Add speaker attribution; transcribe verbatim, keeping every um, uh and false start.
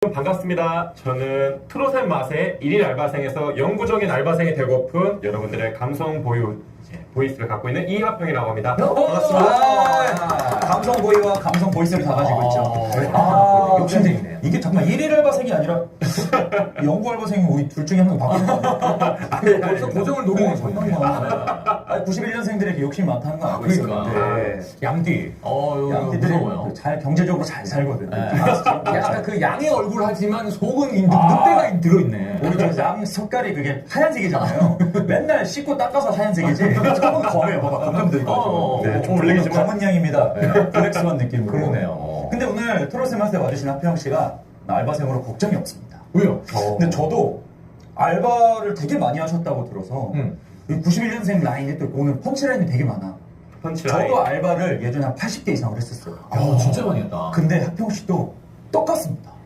Speaker 1: 반갑습니다. 저는 트롯의 맛의 일일 알바생에서 영구적인 알바생이 되고픈 여러분들의 감성 보유 이제 보이스를 갖고 있는 이하평이라고 합니다.
Speaker 2: 반갑습니다. 아, 감성 보이와 감성 보이스를 다 가지고 있죠. 아,
Speaker 3: 욕심쟁이네요.
Speaker 2: 이게 정말 일일 알바생이 아니라 영구 알바생이 우리 둘 중에 한 명 바뀌는 거 아니에요?
Speaker 3: 벌써 고정을 노리는 거예요.
Speaker 2: 잠깐만. 구십일 년생들에게 욕심이 많다는 거 알고
Speaker 3: 그러니까.
Speaker 2: 있었는데
Speaker 3: 양띠. 어, 이거
Speaker 2: 양띠들이
Speaker 3: 무서워요.
Speaker 2: 잘 경제적으로 잘 살거든.
Speaker 3: 네.
Speaker 2: 아,
Speaker 3: 약간 그 양의 얼굴 하지만 속은 이 늑-
Speaker 2: 아.
Speaker 3: 늑대가 들어있네.
Speaker 2: 우리 저양 색깔이 그게 하얀색이잖아요. 맨날 씻고 닦아서 하얀색이지. 조금 검해요. 봐봐. 검정도 있고.
Speaker 3: 어,
Speaker 1: 네, 좀
Speaker 2: 오늘
Speaker 1: 블랙이지만
Speaker 2: 검은 양입니다. 블랙스완 느낌으로.
Speaker 3: 그러네요.
Speaker 2: 근데 오늘 트롯의 맛에 와주신 하평 씨가 알바생으로 걱정이 없습니다.
Speaker 3: 왜요?
Speaker 2: 근데 저도 알바를 되게 많이 하셨다고 들어서
Speaker 3: 음.
Speaker 2: 구십일 년생 라인이 또 오늘 펀치라인이 되게 많아.
Speaker 1: 펀치라인.
Speaker 2: 저도 알바를 예전에 한 팔십 개 이상을 했었어요.
Speaker 3: 야, 진짜 많이 했다.
Speaker 2: 근데 하평 씨도 똑같습니다.